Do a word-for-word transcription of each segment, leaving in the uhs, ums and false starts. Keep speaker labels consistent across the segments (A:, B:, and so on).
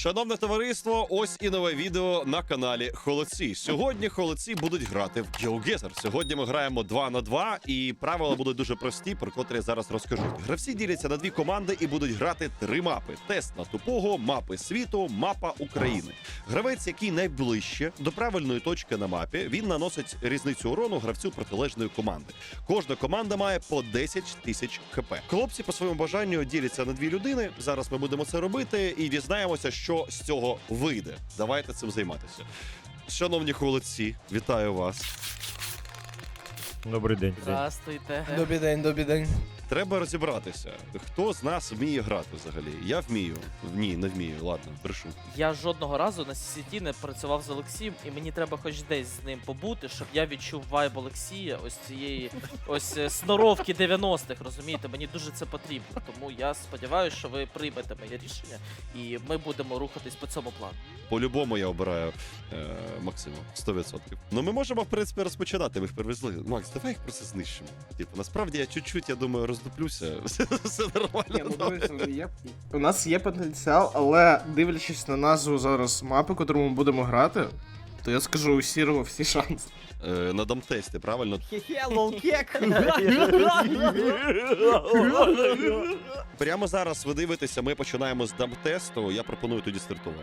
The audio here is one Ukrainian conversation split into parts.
A: Шановне товариство, ось і нове відео на каналі Холодці. Сьогодні холодці будуть грати в GeoGuessr. Сьогодні ми граємо два на два, і правила будуть дуже прості, про котрі я зараз розкажу. Гравці діляться на дві команди і будуть грати три мапи. Тест на тупого, мапи світу, мапа України. Гравець, який найближче до правильної точки на мапі, він наносить різницю урону гравцю протилежної команди. Кожна команда має по десять тисяч хп. Хлопці по своєму бажанню діляться на дві людини. Зараз ми будемо це робити і дізнаємося, що з цього вийде. Давайте цим займатися. Шановні холодці, вітаю вас.
B: Добрий день.
C: Здравствуйте.
D: Добрий день, добрий день.
A: Треба розібратися, хто з нас вміє грати взагалі. Я вмію. Ні, не вмію. Ладно, брешу.
C: Я жодного разу на сіті не працював з Олексієм, і мені треба хоч десь з ним побути, щоб я відчув вайб Олексія, ось цієї ось е, сноровки дев'яностих, розумієте? Мені дуже це потрібно. Тому я сподіваюся, що ви приймете моє рішення, і ми будемо рухатись по цьому плану.
A: По-любому я обираю е, Максима. сто відсотків. Ну ми можемо, в принципі, розпочинати. Ми їх привезли. Макс, давай їх просто знищимо. Типу, насправді я чуть-чуть, я думаю, роздуплюся. Все нормально.
D: Ні, ну, дивіться, є... У нас є потенціал, але дивлячись на назву зараз мапи, котру ми будемо грати, то я скажу у Сірого всі шанси.
A: Е, на дамтесті, правильно? Прямо зараз ви дивитеся, ми починаємо з дамтесту. Я пропоную тоді стартувати.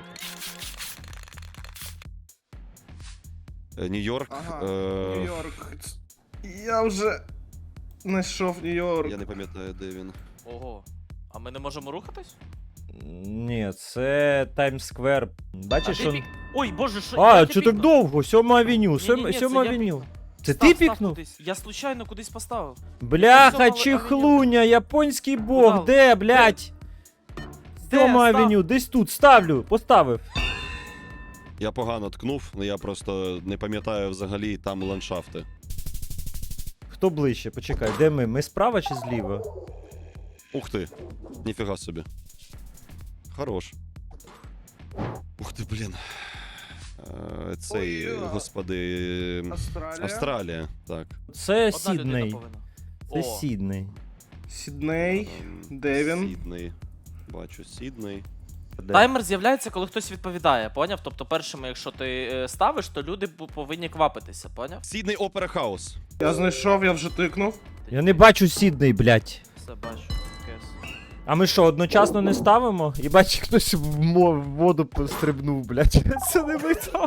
A: Е, Нью-Йорк.
D: Ага,
A: е,
D: Нью-Йорк. Я вже знайшов Нью-Йорк.
A: Я не пам'ятаю, де він.
C: Ого. А ми не можемо рухатись?
B: Ні, це Таймс-сквер. Бачиш,
C: А
B: що...
C: ти пік- Ой, боже, що
B: А,
C: я
B: що так
C: пікнув?
B: довго? Сьома авеню,
C: Ні-ні-ні,
B: сьома,
C: це
B: сьома
C: я
B: авеню. Це
C: Став,
B: ти
C: став
B: пікнув?
C: кудись. Я случайно кудись поставив.
B: Бляха,
C: Сьома
B: чехлуня, японський бог,
C: Куда?
B: де, блядь?
C: Де?
B: Сьома
C: Став.
B: авеню, десь тут, ставлю, поставив.
A: Я погано ткнув, але я просто не пам'ятаю взагалі там ландшафти.
B: Хто ближче? Почекай, де ми? Ми справа чи зліва?
A: Ух ти, ніфіга собі. Хорош. Ух ти, блін. Е, Цей,
D: Ой,
A: господи...
D: Австралія.
A: Австралія, так.
B: Це
C: Одна людина
B: Сідней.
C: повинна.
B: Це
C: О,
B: Сідней.
D: Сідней.
A: Ем,
D: Де він?
A: Сідней. Бачу, Сідней.
B: Де?
C: Таймер з'являється, коли хтось відповідає, поняв? Тобто першими, якщо ти е, ставиш, то люди бу- повинні квапитися, поняв?
A: Сідней Опера Хаус.
D: Я знайшов, я вже тикнув.
B: Я не бачу Сідней, блядь.
C: Все бачу. Кес.
B: А ми що, одночасно не ставимо? І бачиш, хтось в, мо- в воду стрибнув, блядь. Це не ми там.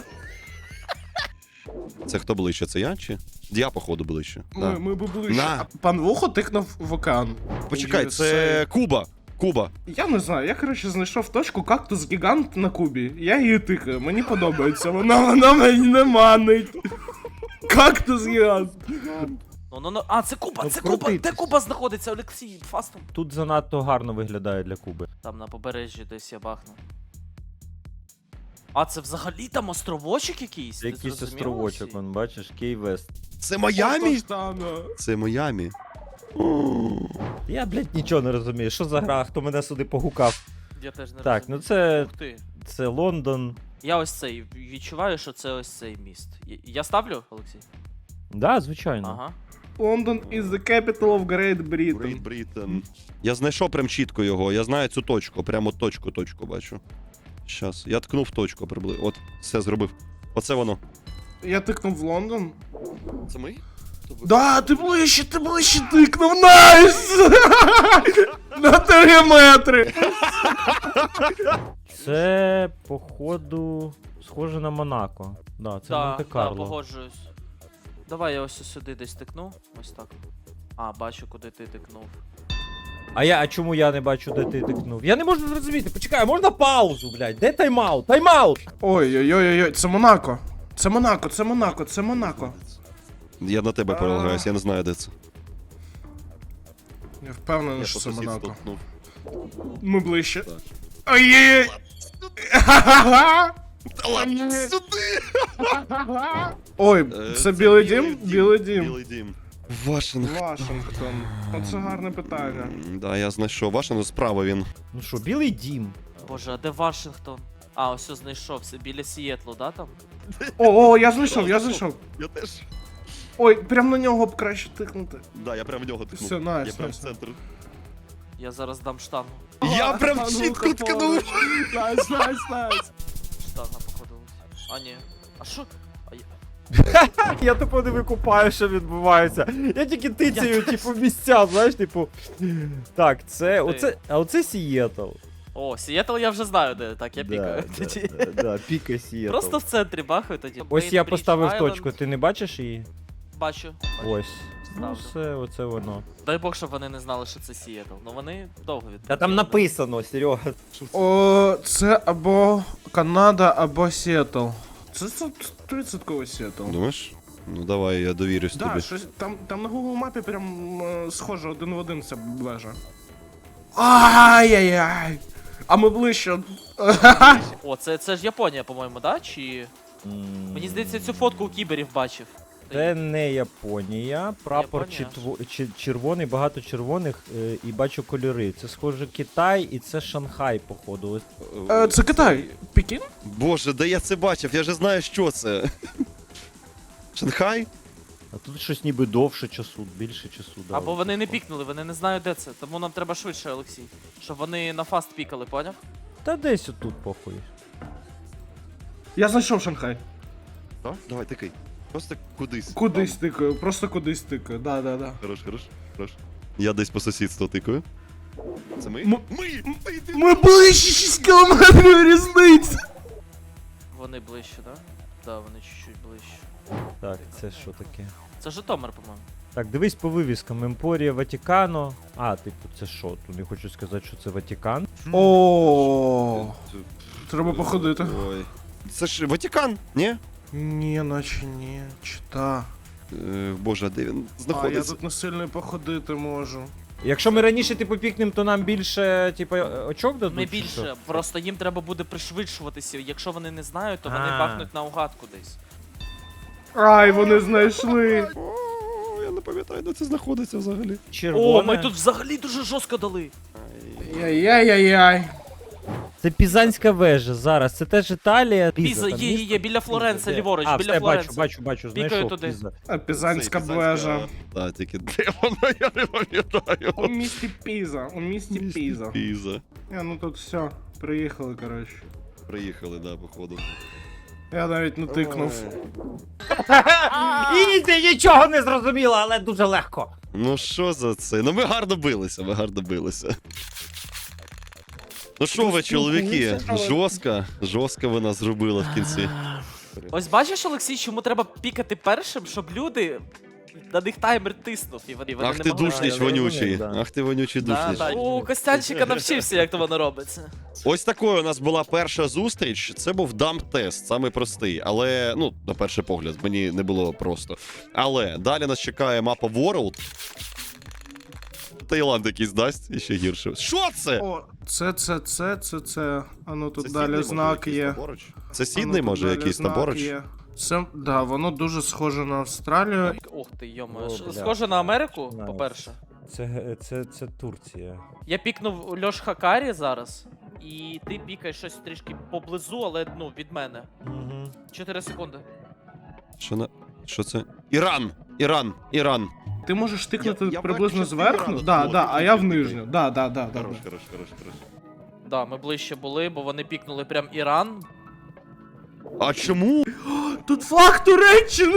A: Це хто ближче? Це я чи? Я, походу, ближче.
D: Ми,
A: Да.
D: ми би ближче.
A: На.
D: А пан Вухо тикнув в океан.
A: Почекай,
D: Ю ес
A: це
D: ей.
A: Куба. Куба.
D: Я не знаю, я, коротше, знайшов точку кактус гігант на Кубі. Я її тикаю, мені подобається. Вона, вона мені не манить. Кактус гігант.
C: Ну, ну, ну. А, це Куба,
B: Ну,
C: це Куба! Де
B: крутитись.
C: Куба знаходиться, Олексій? Фастом.
B: Тут занадто гарно виглядає для Куби.
C: Там на побережжі десь я бахну. А, це взагалі там островочок якийсь? Ти
B: Якийсь
C: зрозумів,
B: островочок,
C: Олексій?
B: вон, бачиш, Кей-Вест.
A: Це Майамі?
D: Отож-тано.
A: Це Майамі.
B: Я, блядь, нічого не розумію. Що за гра, хто мене сюди погукав?
C: Я теж не
B: Так, ну
C: розумію.
B: це,
C: Ух ти.
B: це Лондон.
C: Я ось цей відчуваю, що це ось цей міст. Я- Я ставлю, Олексій?
B: Да, звичайно.
C: Ага.
D: London is the capital of Great Britain.
A: Great Britain. Я знайшов прям чітко його. Я знаю цю точку. Прямо точку, точку бачу. Щас. Я ткнув точку приблизно. От, все зробив. Оце воно.
D: Я тикнув в Лондон.
A: Це ми?
D: Да, ти ближче, ти ближче тикнув, найс! На три метри.
B: Це, походу, схоже на Монако. Да, це
C: Так, да,
B: Монте-Карло.
C: погоджуюсь. Давай я ось сюди десь тикну. Ось так. А, бачу, куди ти тикнув.
B: А я, а чому я не бачу, де ти тикнув? Я не можу зрозуміти. Почекай, можна паузу, блядь? Де тайм-аут? Тайм-аут!
D: Ой-ой-ой, це Монако. Це Монако, це Монако, це Монако.
A: Я на тебе перелагаюсь, я не знаю, де це.
D: Я впевнений,
A: Я
D: що
A: по
D: це
A: сусідству
D: Монако.
A: ткнув.
D: Ми ближче.
A: Так.
D: Ой-ой-ой.
A: Та ладно, сюди!
D: Ой,
A: Е,
D: це Білий дім? Білий дім.
A: Білий дім. Вашингтон.
D: Вашингтон. Оце гарне питання.
A: М, Да, я знайшов. Вашингтон справа він.
B: Ну що, білий дім?
C: Боже, а де Вашингтон? А, ось ось знайшовся. Біля Сієтлу, да, там?
D: О, о, я знайшов, я знайшов.
A: Я теж.
D: Ой, прям на нього б краще тикнути.
A: Да, я прям в нього ткнув.
D: Все, найс,
A: Я прям в
D: найс.
A: центр.
C: Я зараз дам штангу.
A: Я прям
D: А ну,
A: чітко ткнув.
D: Найс, найс, найс.
C: Штанга походу. А ні. А що? А я...
B: Я тупо не викупаю, що відбувається. Я тільки тицяю, типу, місця, знаєш, типу. Так, це. Оце. А оце Сієтл.
C: О, Сієтл я вже знаю де. Так, я пікаю. тоді.
B: Да, да, да, пікай Сієтл.
C: Просто в центрі бахаю тоді.
B: Ось я
C: Bainbridge
B: поставив
C: Island.
B: точку, ти не бачиш її?
C: Бачу.
B: Ось. Ну
C: Ставлю.
B: все, оце воно.
C: Дай Бог, щоб вони не знали, що це Сієтл. Ну вони довго від.
B: Та там написано, Серега.
D: О, це або Канада, або Сіетл. Це сто відсотків Сіетл.
A: Думаєш? Ну давай, я довірюсь
D: Да,
A: тобі.
D: щось там, там на Google мапі прям е, схоже один в один ця вежа. Ай-яй-яй! А ми ближче.
C: О, це, це ж Японія, по-моєму, да? Чи. Мені здається, цю фотку у кіберів бачив.
B: Це не Японія, прапор
C: Японія.
B: читво- чи- червоний, багато червоних е, і бачу кольори. Це схоже Китай і це Шанхай, походу. Ось.
D: Е, це Китай. Пекін?
A: Боже, де я це бачив? Я же знаю, що це. Шанхай?
B: А тут щось ніби довше часу, більше часу. Да,
C: Або
B: ось
C: вони не
B: таке.
C: пікнули, вони не знають, де це. Тому нам треба швидше, Олексій. Щоб вони на фаст пікали, поняв?
B: Та десь отут, похуй.
D: Я знайшов Шанхай.
A: Так? Давай, тикай. Просто кудись.
D: Кудись
A: Там.
D: тикаю, просто кудись тикаю. Да, да, да.
A: Хорош, хорош, хорош. Я десь по сусідству тикаю. Це ми?
D: М-
A: Ми! Ти, ти.
D: Ми ближче шість кілометрів різниці.
C: Вони ближче, да? Да, вони чуть-чуть ближче.
B: Так, це що таке?
C: Це Житомир, по-моєму.
B: Так, дивись по вивіскам. Емпорія Ватікано. А, типу, це що? Тут не хочу сказати, що це Ватікан.
D: О, треба походити.
A: Ой. Це ж Ватикан, ні?
D: Ні, наче ні. Чита.
A: Е, Боже, а де він
D: А, я
A: знаходиться?
D: тут не сильно походити можу.
B: Якщо ми раніше типу пікнем, то нам більше, типу, очок дадуть?
C: Не
B: чи
C: більше,
B: що?
C: просто їм треба буде пришвидшуватися. Якщо вони не знають, то вони
B: А.
C: бахнуть наугад кудись.
D: Ай, вони знайшли.
A: О, я не пам'ятаю, де це знаходиться взагалі.
B: Червоне.
C: О, ми тут взагалі дуже жорстко дали.
D: Яй-яй-яй-яй.
B: Це Пізанська вежа зараз. Це теж Італія.
C: Піза,
B: там
C: є, є,
B: місто?
C: є, біля Флоренци,
B: Де?
C: ліворуч,
B: а,
C: біля
B: все,
C: Флоренци.
B: бачу, бачу, бачу,
C: Пікаю
B: знайшов
C: туди.
B: Піза.
D: А, Пізанська
A: Цей
D: вежа.
A: Так, тільки де вона, я не пам'ятаю.
D: У місті Піза, у місті Піза.
A: Піза.
D: Я, ну тут все, приїхали, коротше.
A: Приїхали, да, походу.
D: Я навіть не тикнув.
B: Ізі, нічого не зрозуміло, але дуже легко.
A: Ну що за це? Ну ми гарно билися, ми гарно билися. Ну що ви, чоловіки, жорстко, жорстко ви нас зробили в кінці.
C: Ось бачиш, Олексій, чому треба пікати першим, щоб люди на них таймер тиснув, і вони, вони
A: Ах
C: не
A: ти
C: могли.
A: душніч
B: я
A: вонючий,
B: розумію, да.
A: ах ти вонючий
C: Да,
A: душніч.
C: да. У Костянчика навчився, як то воно робиться.
A: Ось такою у нас була перша зустріч. Це був дамп-тест, самий простий. Але, ну, на перший погляд, мені не було просто. Але далі нас чекає мапа World. Таїланд якийсь дасть, і ще гірше. Що це?
D: О, це, це, це, це, це. А ну тут
A: Це
D: далі
A: Сідней, може,
D: знак
A: якийсь
D: є.
A: там поруч? Це
D: А ну,
A: Сідней,
D: тут
A: може,
D: далі
A: якийсь там
D: знак
A: поруч?
D: є. Це, да, воно дуже схоже на Австралію.
C: Ух ти, йомо.
B: О,
C: Ш-
B: бля.
C: Схоже на Америку,
B: Знаю.
C: по-перше.
B: Це, це, це Турція.
C: Я пікнув Льош Хакарі зараз, і ти пікаєш щось трішки поблизу, але ну, від мене.
B: Угу.
C: Чотири секунди.
A: Що на. Що це? Іран! Іран! Іран!
D: Ти можеш тикнути
A: Я- я
D: приблизно
A: бачу,
D: зверху?
A: частину
D: Да,
A: Ірану,
D: да,
A: ти
D: а я в
A: тикай,
D: нижню.
A: тикай.
D: Да, да, да, да.
A: Хорош,
D: да.
A: хорош, хорош, хорош.
C: Да, ми ближче були, бо вони пікнули прям Іран.
A: А чому?
D: Тут флаг Туреччини!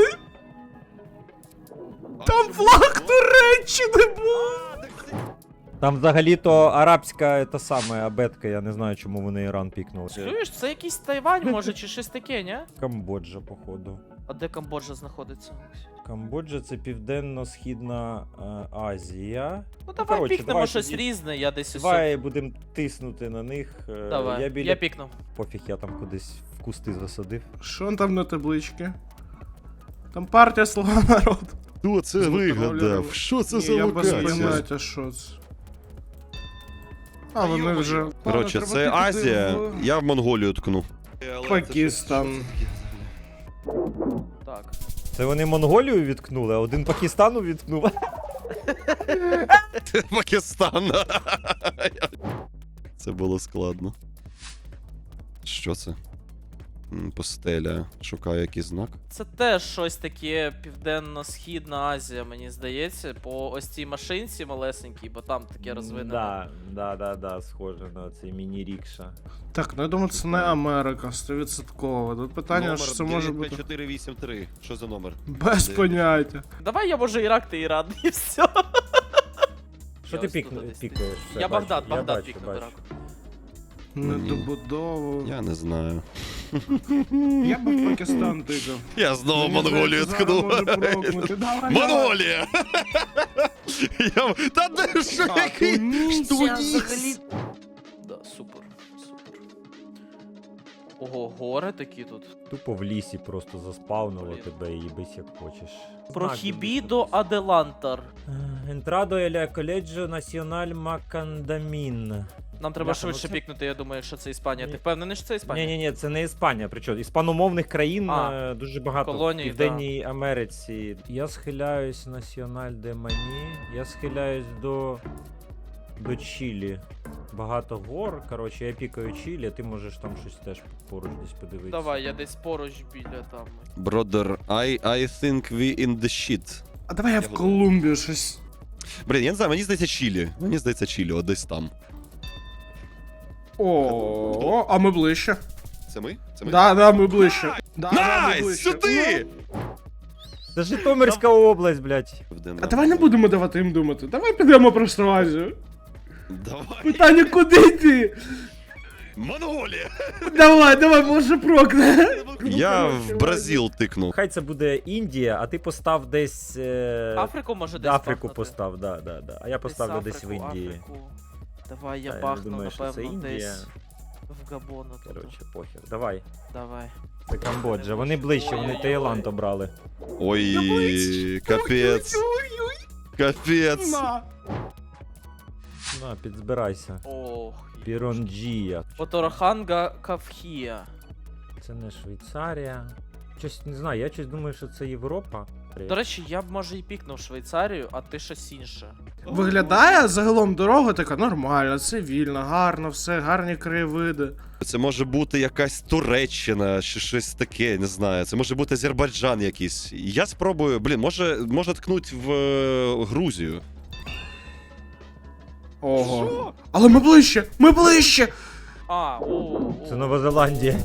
D: Там флаг Туреччини був!
B: Там взагалі-то арабська та саме абетка, я не знаю, чому вони Іран пікнули.
C: Чуєш, це якийсь Тайвань, може, чи щось таке, ні?
B: Камбоджа, походу.
C: А де Камбоджа знаходиться?
B: Камбоджа це південно-східна е, Азія.
C: Ну давай
B: коротше,
C: пікнемо
B: давай
C: щось
B: тоді-
C: різне, я десь ось.
B: Давай будемо тиснути на них. е,
C: Давай,
B: Я
C: я,
B: біля
C: пікнув.
B: пофіг, я там кудись в кусти засадив.
D: Що там на табличці? Там партія Слуга народу.
A: Хто це
D: Звук
A: вигадав?
D: добавляю.
A: Що це
D: Ні,
A: за
D: я без
A: локація?
D: поняття, що це. А, вони вже...
A: Коротше,
D: Ладно,
A: це
D: треба тикати
A: Азія,
D: в
A: я в Монголію ткну.
D: Пакистан.
C: Так.
B: Це вони Монголію відкнули, а один Пакистану відкнув.
A: Пакистан. Це було складно. Що це? М, Постеля. Шукаю якийсь знак.
C: Це теж щось таке Південно-Східна Азія, мені здається, по ось цій машинці малесенькій, бо там таке розвинене.
B: Да, да, да, да, схоже на цей міні-рікша.
D: Так, ну я думаю, це не Америка, сто відсотків. Тут питання,
A: Номер
D: що це може
A: дев'ять п'ять
D: бути.
A: чотири вісім три. Що за номер?
D: Без поняття.
C: Давай я може Ірак, ти Іран, і все.
B: Що
C: Я
B: ти
C: ось
B: пік,
C: тут десь
B: пікаєш? Все,
C: Я
B: бачу,
C: Багдад,
B: я
C: Багдад
B: бачу,
C: пікнув
B: бачу.
C: Ірак.
D: Недобудову.
A: Я не знаю.
D: Я би в Пакистан тикав.
A: Я знову
D: Мені
A: Монголію
D: здається, зараз
A: ткну.
D: може прокнути. Давай, давай.
A: Монголія! Я... Та де що
D: Так,
A: який?
D: Тунісія
A: Тунис!
C: Да, супер, супер. Ого, гори такі тут.
B: Тупо в лісі просто заспавнило
C: Блін.
B: тебе і їбись як хочеш.
C: Прохібідо Аделантар.
B: Entrado el Colegio Nacional Macandamin.
C: Нам треба
B: Бляха, ну
C: швидше
B: це-
C: пікнути, я думаю, що це Іспанія. Ти
B: Ні.
C: впевнений, що це Іспанія?
B: Ні, ні, ні, це не Іспанія. Причому іспаномовних країн
C: А,
B: е, дуже багато
C: колоній,
B: в Південній Америці. Я схиляюсь Національ де Мані. Я схиляюсь до. До Чилі. Багато гор. Коротше, я пікаю Чилі, а ти можеш там щось теж поруч десь подивитися.
C: Давай, я десь поруч біля там.
A: Brother, I, I think we in the shit.
D: А давай я в
A: Я
D: Колумбію щось.
A: Блін, я не знаю, мені здається Чилі. Мені здається Чилі, от десь там.
D: О, а ми ближче.
A: Це ми? Це ми?
D: Да, да, ми ближче. Да, да, ми
A: Найс!
D: ближче.
A: Сюди!
B: Це Житомирська область, блядь.
A: Південна
D: А давай не будемо давати їм думати. Давай підемо просто в Азію.
A: Давай!
D: Питання, куди йти?
A: Монголія!
D: Давай, давай, може прокне.
A: Я в Бразил тикнув.
B: Хай це буде Індія, а ти постав десь. Е...
C: Африку може десь
B: Африку
C: бахнути?
B: постав, да, да, да. А я поставлю десь в
C: Африку,
B: Індії.
C: Африку. Давай я
B: Та, я
C: бахну,
B: думаю, що це
C: напевно,
B: Індія.
C: десь в Габону. тут.
B: Коротше, похер. Давай.
C: Давай.
B: Це Камбоджа. Вони ближче, вони
C: Ой-ой-ой.
B: Таїланд обрали.
A: Ой, капець. Капець.
D: На.
B: На, підзбирайся.
C: Ох.
B: Піронджія.
C: Отороханга Кавхія.
B: Це не Швейцарія. Щось не знаю, я щось думаю, що це Європа.
C: До речі, я б може і пікнув Швейцарію, а ти щось інше.
D: Виглядає загалом дорога така нормальна, цивільна, гарно, все, гарні краєвиди.
A: Це може бути якась Туреччина чи щось таке, не знаю. Це може бути Азербайджан якийсь. Я спробую, блін, може, може ткнуть в е, Грузію.
D: Ого. Але ми ближче! Ми ближче!
C: А, о,
B: Це
C: о.
B: Нова Зеландія.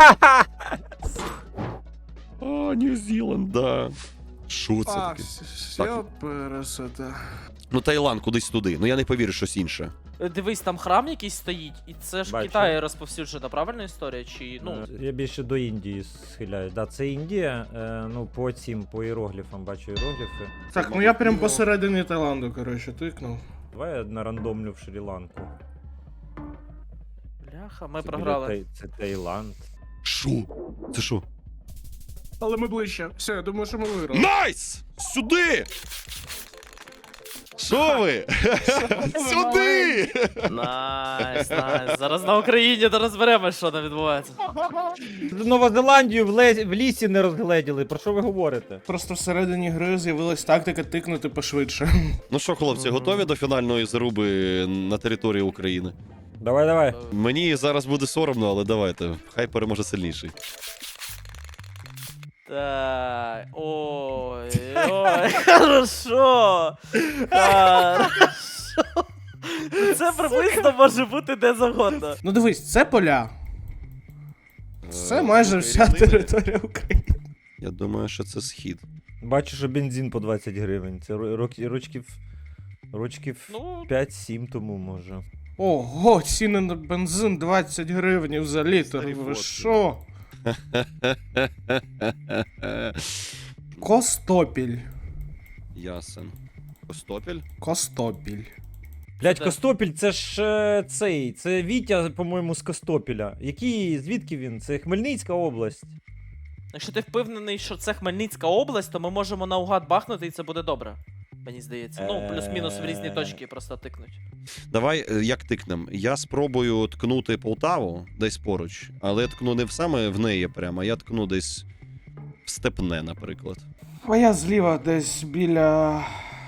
A: А, Нью-Зіланд, да. Що це
D: А,
A: таке?
D: все пересете.
A: Ну, Таїланд кудись туди. Ну я не повірю, щось інше.
C: Е, Дивись, там храм якийсь стоїть, і це ж в
B: Бачу.
C: Китаї розповсюджена, правильна історія? Чи, ну,
B: Е, Я більше до Індії схиляюсь. Да, це Індія. Е, ну, по цим, по іерогліфам бачу іерогліфи.
D: Так, ну я прям посередині Таїланду, коротше, тикнув.
B: Давай я нарандомлю в Шрі-Ланку.
C: бляха, ми
B: Це
C: програли.
B: біля Тай- Це Таїланд.
A: Що? Це що?
D: Але ми ближче. Все, я думаю, що ми виграли.
A: Найс! Сюди! Що ви? Сюди!
C: Найс, найс. Зараз на Україні то розберемось, що там відбувається.
B: Нова Зеландію в, ле- в лісі не розгледіли. Про що ви говорите?
D: Просто всередині гри з'явилась тактика тикнути пошвидше.
A: Ну що, хлопці, готові до фінальної заруби на території України?
B: Давай, давай.
A: Мені зараз буде соромно, але давайте. Хай переможе сильніший.
C: Так, ой, ой, хорошо. Хорошо. Це приблизно може бути де завгодно.
D: Ну дивись, це поля. Це
A: Е,
D: майже вся
A: рівнини.
D: територія України.
A: Я думаю, що це схід.
B: Бачу, що бензин по двадцять гривень. Це ро- рок- рочків. Рочків
C: Ну,
B: п'ять-сім тому може.
D: Ого, ціни на бензин двадцять гривень за літр.
A: Старі
D: Ви
A: фотки.
D: що? Костопіль.
A: Ясен. Костопіль?
D: Костопіль.
B: Блять,
C: Це-
B: Костопіль, це ж е, цей. Це Вітя, по-моєму, з Костопіля. Який, звідки він? Це Хмельницька область.
C: якщо ти впевнений, що це Хмельницька область, то ми можемо наугад бахнути і це буде добре. Мені здається. Ну, плюс-мінус в різні точки просто тикнуть.
A: Давай, е, як тикнем? Я спробую ткнути Полтаву десь поруч, але я ткну не в саме в неї прямо, а я ткну десь в Степне, наприклад.
D: А я зліва десь біля.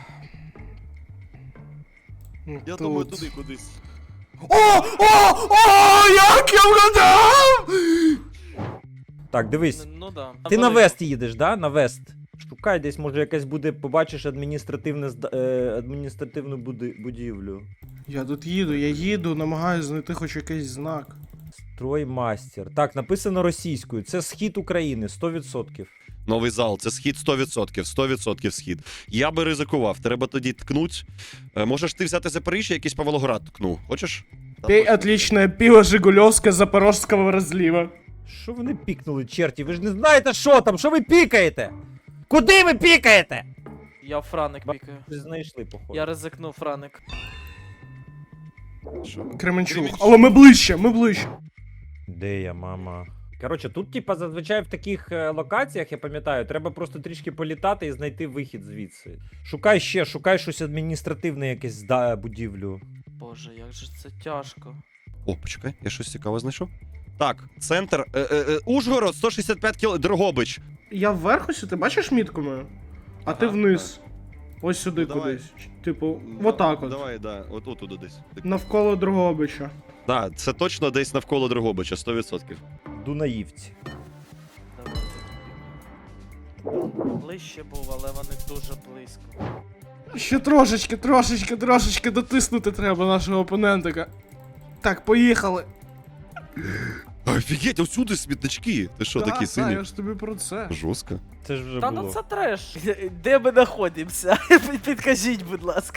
D: Тут.
A: кудись.
D: О! О! О! Як я вгадав!
B: Так, дивись.
C: Ну да.
B: Ти на
C: Велику.
B: Вест їдеш, да? На Вест. Шукай десь, може, якась буде, побачиш адміністративне зда- е, адміністративну буди- будівлю.
D: Я тут їду, я їду, намагаюся знайти хоч якийсь знак.
B: Строймастер. Так, написано російською. Це схід України, сто відсотків.
A: Новий зал, це схід сто відсотків, сто відсотків схід. Я би ризикував, треба тоді ткнуть. Е, Можеш ти взяти Запоріжжя, якийсь Павлоград ткну. Хочеш?
D: Пей отличное пиво Жигулевское Запорожского разлива.
B: Що вони пікнули, черті? Ви ж не знаєте, що там? Що ви пікаєте? Куди ви пікаєте?
C: Я в Франик пікаю.
B: Ви знайшли, походу.
C: Я ризикнув Франик.
A: Що?
D: Кременчук. Але ми ближче, ми ближче.
B: Де я, мама? Коротше, тут, типа, зазвичай в таких е, локаціях, я пам'ятаю, треба просто трішки політати і знайти вихід звідси. Шукай ще, шукай щось адміністративне, якесь зда будівлю.
C: Боже, як же це тяжко.
A: О, почекай, я щось цікаве знайшов. Так, центр. Е, е, е, Ужгород, сто шістдесят п'ять кіл... Дрогобич.
D: Я вверх ось, ти бачиш мітку мою? А ти
C: Ага,
D: вниз. Ось сюди
A: Ну, давай.
D: кудись. Типу, отак от.
A: Давай, да, отут туди десь.
D: Навколо Дрогобича.
A: Так, це точно десь навколо Дрогобича, сто відсотків.
B: Дунаївці.
C: Давай. Ближче був, але вони дуже близько.
D: Ще трошечки, трошечки, трошечки дотиснути треба нашого опонентика. Так, поїхали.
A: Офігеть, усюди смітнички. Ти що,
D: Та,
A: такий
D: та,
A: синій?
D: я ж тобі про це.
A: Жорстко.
B: Це ж вже
C: Та
B: було.
C: ну це треш. Де ми знаходимося? Підкажіть, будь ласка.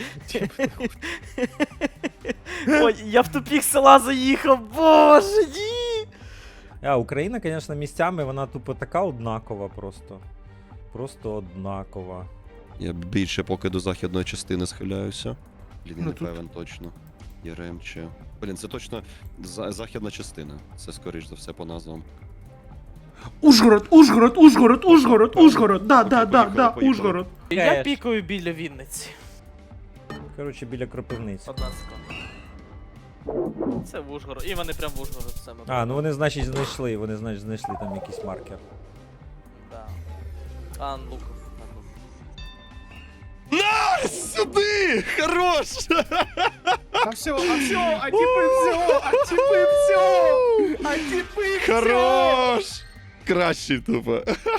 C: Ой, я в тупік села заїхав, боже, ні!
B: А, Україна, звісно, місцями, вона тупо така однакова просто. Просто однакова.
A: Я більше поки до західної частини схиляюся. Блін, я
D: Ну,
A: не
D: тут-
A: певен точно. Яремче. Блін, це точно за- західна частина. Це скоріш за все по назвам.
D: Ужгород, Ужгород, Ужгород, Ужгород, Ужгород. Да,
A: Окей,
D: да, да,
A: поїхали,
D: да,
A: поїхали.
D: Ужгород.
C: Я
B: Кеш.
C: пікаю біля Вінниці.
B: Коротше, біля Кропивниці.
C: Одна секунда. Це в Ужгород. І вони прям в Ужгород саме.
B: А, ну вони, значить, знайшли, вони, значить, знайшли там якийсь маркер.
C: Да. А, Луков.
A: Сюди! Хорош!
D: А все, а все, а типи все, а типи все, а типи все.
A: Хорош! Кращий тупо.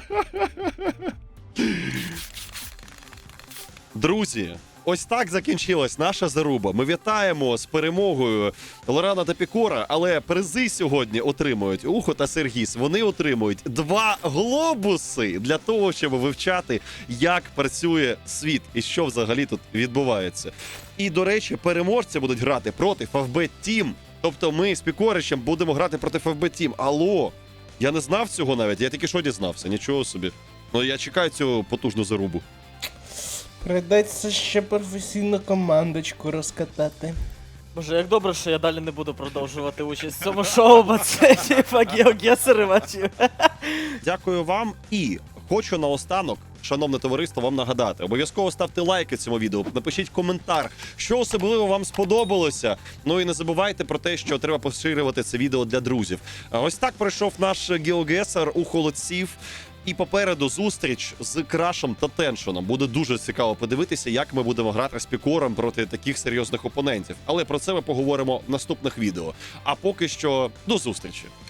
A: Друзі, ось так закінчилась наша заруба. Ми вітаємо з перемогою Лорана та Пікора, але призи сьогодні отримують Ухо та Сергіс. Вони отримують два глобуси для того, щоб вивчати, як працює світ і що взагалі тут відбувається. І, до речі, переможці будуть грати проти еф бі Team. Тобто ми з Пікоричем будемо грати проти еф бі Team. Алло! Я не знав цього навіть, я тільки що дізнався, нічого собі. Ну я чекаю цю потужну зарубу.
D: Придеться ще професійну командочку розкатати.
C: Боже, як добре, що я далі не буду продовжувати участь в цьому шоу, бо це типа геогесеривачів.
A: Дякую вам і хочу наостанок, шановне товариство, вам нагадати. Обов'язково ставте лайки цьому відео, напишіть коментар, що особливо вам сподобалося. Ну і не забувайте про те, що треба поширювати це відео для друзів. А ось так пройшов наш геогесер у холодців. І попереду зустріч з Крашем та Теншоном. Буде дуже цікаво подивитися, як ми будемо грати з Пікором проти таких серйозних опонентів. Але про це ми поговоримо в наступних відео. А поки що, до зустрічі!